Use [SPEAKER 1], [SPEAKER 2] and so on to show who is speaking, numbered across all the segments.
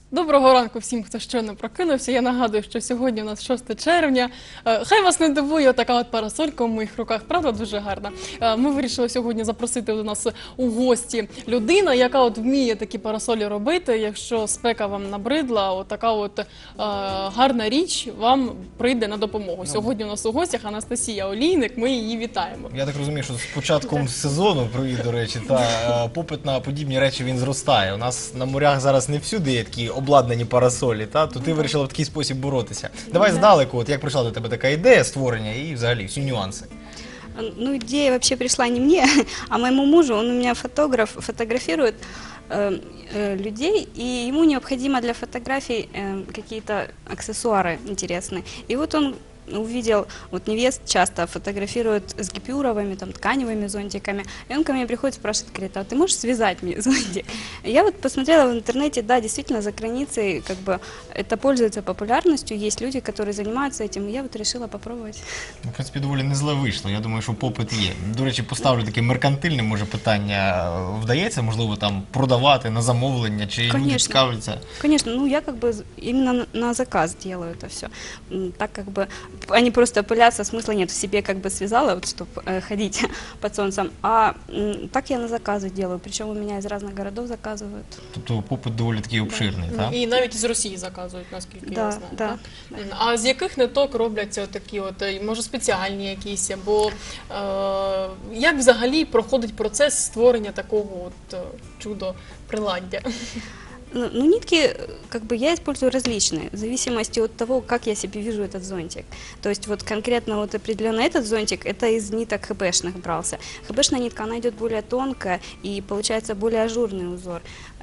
[SPEAKER 1] Доброго ранку всім, хто щойно прокинувся. Я нагадую, що сьогодні у нас 6 червня. Хай вас не дивує така от парасолька у моїх руках, правда, дуже гарна. Ми вирішили сьогодні запросити до нас у гості людину, яка от вміє такі парасолі робити. Якщо спека вам набридла, от така от гарна річ вам прийде на допомогу. Сьогодні у нас у гостях Анастасія Олійник, ми її вітаємо.
[SPEAKER 2] Я так розумію, що з початком сезону, привіт, до речі, попит на подібні речі він зростає. У нас на морях зараз не всюди є такі обладнані парасолі, то ти вирішила в такий спосіб боротися. Давай здалеку, от як прийшла до тебе така ідея створення і взагалі всі нюанси.
[SPEAKER 3] Ну, идея вообще пришла не мне, а моему мужу. Он у меня фотограф, фотографирует людей, и ему необходимо для фотографий какие-то аксессуары интересные. И вот он увидел, вот невест часто фотографируют с гипюровыми, там, тканевыми зонтиками, и он ко мне приходит, спрашивает, говорит, а ты можешь связать мне зонтик? И я вот посмотрела в интернете, да, действительно, за границей, как бы, это пользуется популярностью, есть люди, которые занимаются этим, и я вот решила попробовать.
[SPEAKER 2] В принципі, доволі не зле вийшло. Я думаю, що попит є. До речі, поставлю таке меркантильне, може, питання. Вдається, можливо, там продавати на замовлення, чи люди цікавляться?
[SPEAKER 3] Конечно, ну я как бы именно на заказ делаю это все. Так как бы они просто пылятся, смысла нет. В себе как бы связала, вот, чтобы ходить под солнцем. А так я на заказы делаю. Причем у меня из разных городов заказывают.
[SPEAKER 2] Тобто попит доволі такий обширний, так?
[SPEAKER 1] І навіть з Росії заказують, наскільки я
[SPEAKER 3] Да,
[SPEAKER 1] знаю.
[SPEAKER 3] да.
[SPEAKER 1] Так? А з яких ниток робляться такі от, може, спеціальні якісь, або як взагалі проходить процес створення такого от чудо-приладдя?
[SPEAKER 3] Ну, нитки, как бы, я использую различные, в зависимости от того, как я себе вижу этот зонтик. То есть, вот конкретно вот определенно этот зонтик, это из ниток хбшных брался. Хбшная нитка, она идет более тонкая и получается более ажурный узор.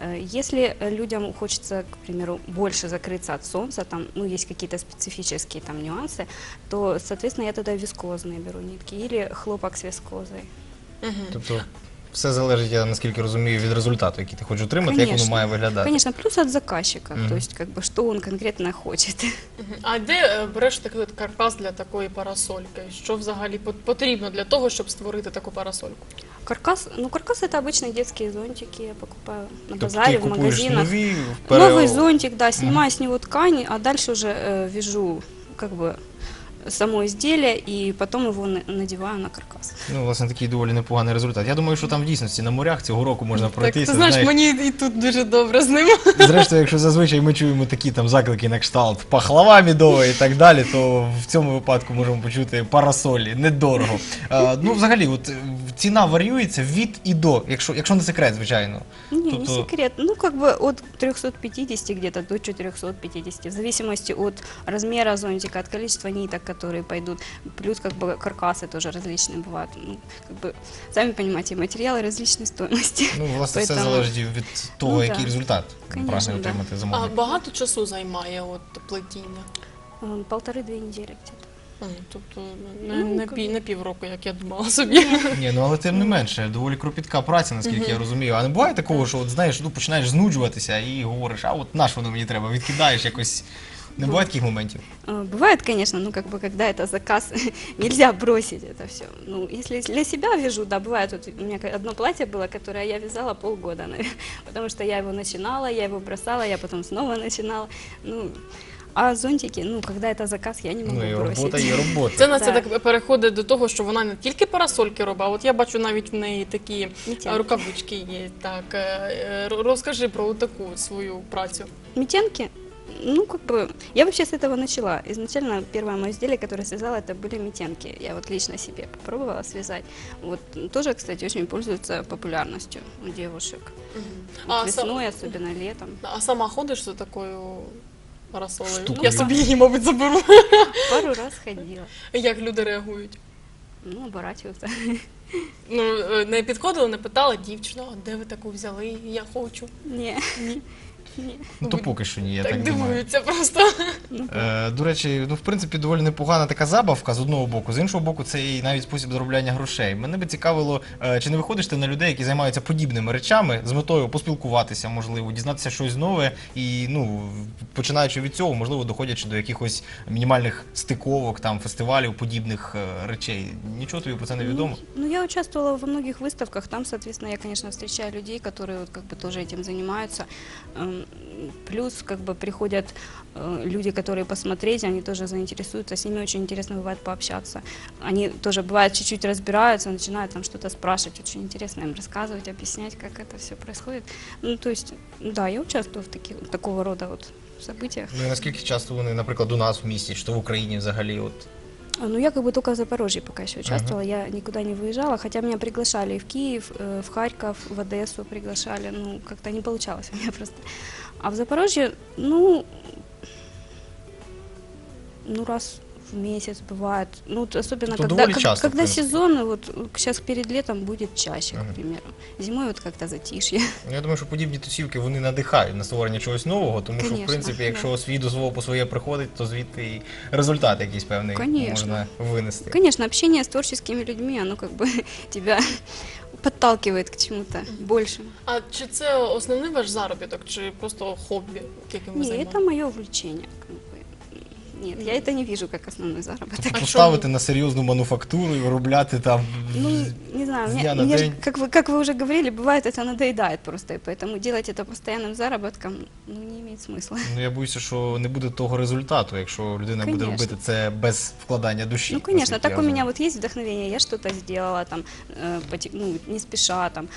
[SPEAKER 3] Если людям хочется, к примеру, больше закрыться от солнца, там, ну, есть какие-то специфические там нюансы, то, соответственно, я тогда вискозные беру нитки или хлопок с вискозой.
[SPEAKER 2] Тобто все залежить, я наскільки розумію, від результату, який ти хочеш отримати, як воно має виглядати.
[SPEAKER 3] Конечно, плюс от заказчика, то есть, как бы, что он конкретно хочет.
[SPEAKER 1] А де береш такий от каркас для такої парасольки? Що взагалі потрібно для того, щоб створити таку парасольку?
[SPEAKER 3] Каркас, ну каркас это обычные детские зонтики, я покупаю на
[SPEAKER 2] Тобто
[SPEAKER 3] базаре,
[SPEAKER 2] ти
[SPEAKER 3] в
[SPEAKER 2] купуєш
[SPEAKER 3] магазинах.
[SPEAKER 2] нові,
[SPEAKER 3] Новый зонтик, да, снимаю с него ткань, а дальше уже вяжу, как бы, само изделие и потом его надеваю на каркас.
[SPEAKER 2] Ну, власне, такий доволі непоганий результат. Я думаю, що там в дійсності на морях цього року можна
[SPEAKER 1] Так,
[SPEAKER 2] пройтися.
[SPEAKER 1] ти знаєш, мені і тут дуже добре з ним.
[SPEAKER 2] Зрештою, якщо зазвичай ми чуємо такі там заклики на кшталт пахлава мідова і так далі, то в цьому випадку можемо почути парасолі, недорого. Ну, взагалі, от ціна варіюється від і до, якщо не секрет, звичайно.
[SPEAKER 3] Не секрет. Ну, как бы от 350 где-то до 450, в зависимости от размера зонтика, от количества ниток, которые пойдут. Плюс, как бы, каркасы тоже различные бывают. Ну, как бы, сами понимаете, материалы различной стоимости.
[SPEAKER 2] Ну, власне, все залежить від того,
[SPEAKER 3] Ну,
[SPEAKER 2] який
[SPEAKER 3] да.
[SPEAKER 2] результат
[SPEAKER 3] Конечно,
[SPEAKER 2] прагне
[SPEAKER 3] да.
[SPEAKER 2] отримати
[SPEAKER 1] А
[SPEAKER 2] замовник.
[SPEAKER 1] багато часу займає от плетіння?
[SPEAKER 3] 1,5-2 недели где-то.
[SPEAKER 1] Тобто
[SPEAKER 3] Ну,
[SPEAKER 1] не півроку, як я думала собі.
[SPEAKER 2] Ні, ну але тим не менше, доволі кропітка праця, наскільки я розумію. А не буває такого, що от знаєш, ну починаєш знуджуватися і говориш, а от на що воно мені треба, відкидаєш якось. Не буває таких моментів?
[SPEAKER 3] Бывает, конечно, ну, как бы, когда это заказ, нельзя бросить это все. Ну, если для себя вяжу, да, бывает, вот у меня одно платье было, которое я вязала полгода, наверное, потому что я его начинала, я его бросала, я потом снова начинала, ну, а зонтики, ну, когда это заказ, я не могу
[SPEAKER 2] Ну і
[SPEAKER 3] бросить.
[SPEAKER 2] робота є робота.
[SPEAKER 1] Це Настя
[SPEAKER 3] Да.
[SPEAKER 1] так переходить до того, що вона не тільки парасольки робить, а от я бачу навіть в неї такі
[SPEAKER 3] Мітянки.
[SPEAKER 1] рукавички є. Так, розкажи про таку свою працю.
[SPEAKER 3] Метенки, ну, как бы, я вообще с этого начала. Изначально первое мое изделие, которое связала, это были метенки. Я вот лично себе попробовала связать. Вот тоже, кстати, очень пользуются популярностью у девушек. Вот весной, особенно летом.
[SPEAKER 1] А сама ходиш за такою парасолею?
[SPEAKER 2] Штукою.
[SPEAKER 1] Я собі її, мабуть, заберу.
[SPEAKER 3] Пару раз ходила.
[SPEAKER 1] Як люди реагують?
[SPEAKER 3] Ну, оборачиваются.
[SPEAKER 1] Ну, не підходила, не питала дівчина, а де ви таку взяли? Я хочу.
[SPEAKER 3] Не.
[SPEAKER 2] Ну то поки що ні, я
[SPEAKER 1] Так
[SPEAKER 2] так думаю.
[SPEAKER 1] дивуються просто.
[SPEAKER 2] До речі, ну в принципі доволі непогана така забавка з одного боку, з іншого боку, це і навіть спосіб заробляння грошей. Мене би цікавило, чи не виходиш ти на людей, які займаються подібними речами, з метою поспілкуватися, можливо, дізнатися щось нове і, ну, починаючи від цього, можливо, доходячи до якихось мінімальних стиковок, там, фестивалів, подібних речей. Нічого тобі про це не відомо?
[SPEAKER 3] Ну, я участвовала во многих выставках, там, соответственно, я, конечно, встречаю людей, которые вот как бы тоже этим занимаются. плюс как бы приходят люди, которые посмотреть, они тоже заинтересуются, с ними очень интересно бывает пообщаться. Они тоже бывает чуть-чуть разбираются, начинают там что-то спрашивать, очень интересно им рассказывать, объяснять, как это все происходит. Ну, то есть, да, я участвую в такого рода вот событиях.
[SPEAKER 2] Ну і наскільки часто вони, наприклад, у нас в місті, чи то в Україні взагалі, от
[SPEAKER 3] Ну, я как бы только в Запорожье пока еще участвовала, я никуда не выезжала, хотя меня приглашали и в Киев, в Харьков, в Одессу приглашали, ну, как-то не получалось у меня просто. А в Запорожье, ну, раз в месяц бывает, ну, вот особенно
[SPEAKER 2] То
[SPEAKER 3] когда,
[SPEAKER 2] довольно часто, в
[SPEAKER 3] когда
[SPEAKER 2] принципе.
[SPEAKER 3] сезон, вот сейчас перед летом будет чаще, к примеру. Зимой вот как-то затишье.
[SPEAKER 2] Ну, я думаю, що подібні тусівки вони надихають на створення чогось нового, тому що, в
[SPEAKER 3] Конечно,
[SPEAKER 2] принципі,
[SPEAKER 3] да.
[SPEAKER 2] якщо свій дозвол по своє приходить, то звідти і результат якийсь певний
[SPEAKER 3] Конечно.
[SPEAKER 2] можна винести.
[SPEAKER 3] Конечно, общение с творческими людьми, оно как бы тебя подталкивает к чему-то большему.
[SPEAKER 1] А чи це основний ваш заробіток, чи просто хобі, яким ви
[SPEAKER 3] Не,
[SPEAKER 1] займаєтесь?
[SPEAKER 3] это мое увлечение. Как бы. Нет, я это не вижу как основной заработок.
[SPEAKER 2] Тобто
[SPEAKER 1] А
[SPEAKER 2] поставити
[SPEAKER 1] чому?
[SPEAKER 2] на серйозну мануфактуру і виробляти там
[SPEAKER 3] Ну, не знаю,
[SPEAKER 2] с
[SPEAKER 3] мне,
[SPEAKER 2] дня на
[SPEAKER 3] мне же,
[SPEAKER 2] день.
[SPEAKER 3] как вы уже говорили, бывает это надоедает просто, и поэтому делать это постоянным заработком, ну, не имеет смысла.
[SPEAKER 2] Ну, я боюся, що не буде того результату, якщо людина буде
[SPEAKER 3] Конечно.
[SPEAKER 2] робити це без вкладання душі.
[SPEAKER 3] Ну, конечно,
[SPEAKER 2] наскільки
[SPEAKER 3] так
[SPEAKER 2] я
[SPEAKER 3] у меня
[SPEAKER 2] розумію.
[SPEAKER 3] вот есть вдохновение, я что-то сделала, там, ну, не спеша, там,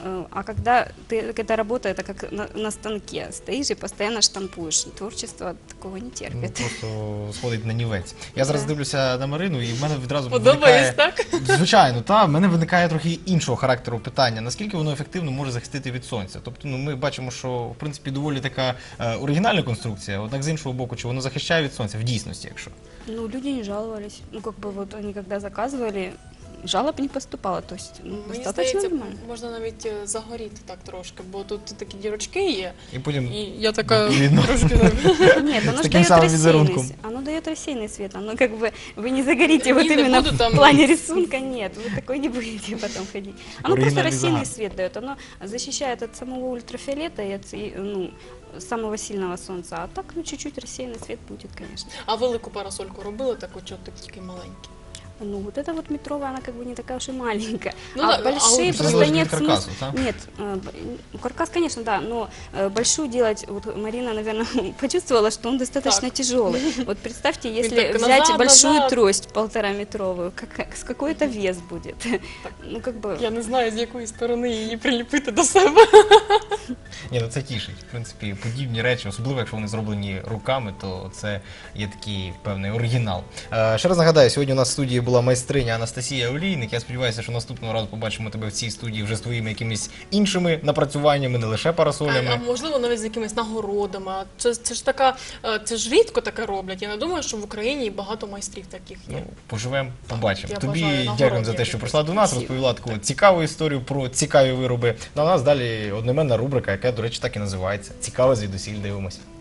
[SPEAKER 3] а когда эта работа, это как на станке, стоишь и постоянно штампуешь, творчество такого не
[SPEAKER 2] Ну,
[SPEAKER 3] терпит.
[SPEAKER 2] просто сходить на нівець. Я зараз
[SPEAKER 3] Да.
[SPEAKER 2] дивлюся на Марину, і в мене відразу
[SPEAKER 1] Подобається,
[SPEAKER 2] виникає...
[SPEAKER 1] так?
[SPEAKER 2] Звичайно, та в мене виникає трохи іншого характеру питання. Наскільки воно ефективно може захистити від сонця? Тобто, ну ми бачимо, що в принципі доволі така оригінальна конструкція. Однак з іншого боку, чи воно захищає від сонця в дійсності, якщо
[SPEAKER 3] Ну, люди не жаловались, ну, как бы вот они когда заказывали, жалоб не поступало, то есть, ну,
[SPEAKER 1] Мені
[SPEAKER 3] достаточно
[SPEAKER 1] здається,
[SPEAKER 3] нормально.
[SPEAKER 1] можна навіть загоріти так трошки, бо тут такі дірочки є,
[SPEAKER 2] і потім
[SPEAKER 1] і я така
[SPEAKER 2] Видно.
[SPEAKER 1] трошки...
[SPEAKER 3] Нет, оно
[SPEAKER 2] С
[SPEAKER 3] же
[SPEAKER 2] таким
[SPEAKER 3] дает
[SPEAKER 2] самым
[SPEAKER 3] рассеянный,
[SPEAKER 2] визерунком.
[SPEAKER 3] оно дает рассеянный свет, оно как бы, вы не загорите вот
[SPEAKER 1] Не, не
[SPEAKER 3] именно
[SPEAKER 1] буду
[SPEAKER 3] в
[SPEAKER 1] там-
[SPEAKER 3] плане рисунка, нет, вы такой не будете потом ходить. Оно просто
[SPEAKER 2] Оригинальный
[SPEAKER 3] рассеянный
[SPEAKER 2] загар.
[SPEAKER 3] свет дает, оно защищает от самого ультрафиолета и от, ну, самого сильного солнца, а так, ну, чуть-чуть рассеянный свет будет, конечно.
[SPEAKER 1] А велику парасольку робили таку, чи от тільки маленькі?
[SPEAKER 3] Ну, вот эта вот метровая, она как бы не такая уж и маленькая.
[SPEAKER 1] Ну
[SPEAKER 3] а
[SPEAKER 1] да, а
[SPEAKER 3] большие
[SPEAKER 1] вот
[SPEAKER 3] просто
[SPEAKER 2] залежит
[SPEAKER 3] нет
[SPEAKER 2] от каркаса,
[SPEAKER 3] смысла.
[SPEAKER 2] да?
[SPEAKER 3] Нет, каркас, конечно, да, но большую делать, вот Марина, наверное, почувствовала, что он достаточно
[SPEAKER 1] Так.
[SPEAKER 3] тяжелый. Вот представьте, если
[SPEAKER 1] так
[SPEAKER 3] взять
[SPEAKER 1] назад,
[SPEAKER 3] большую
[SPEAKER 1] назад.
[SPEAKER 3] трость 1,5-метровую, с какой-то вес будет. Ну, как бы...
[SPEAKER 1] Я не знаю, з якої сторони її приліпити до себе.
[SPEAKER 2] ні, ну це тішить. В принципі, подібні речі, особливо якщо вони зроблені руками, то це є такий певний оригінал. Ще раз нагадаю, сьогодні у нас в студії була майстриня Анастасія Олійник. Я сподіваюся, що наступного разу побачимо тебе в цій студії вже з твоїми якимись іншими напрацюваннями, не лише
[SPEAKER 1] А
[SPEAKER 2] парасолями.
[SPEAKER 1] можливо, навіть з якимись нагородами. А це ж така, це ж рідко таке роблять. Я не думаю, що в Україні багато майстрів таких є.
[SPEAKER 2] Ну, поживемо, побачимо.
[SPEAKER 1] Я
[SPEAKER 2] Тобі
[SPEAKER 1] бажаю нагород
[SPEAKER 2] дякуємо за те, що
[SPEAKER 1] якихось.
[SPEAKER 2] прийшла до нас,
[SPEAKER 3] Спасибо.
[SPEAKER 2] розповіла таку цікаву історію про цікаві вироби. Ну, а у нас далі одноіменна рубрика, яка, до речі, так і називається. Цікаве звідусіль дивимося.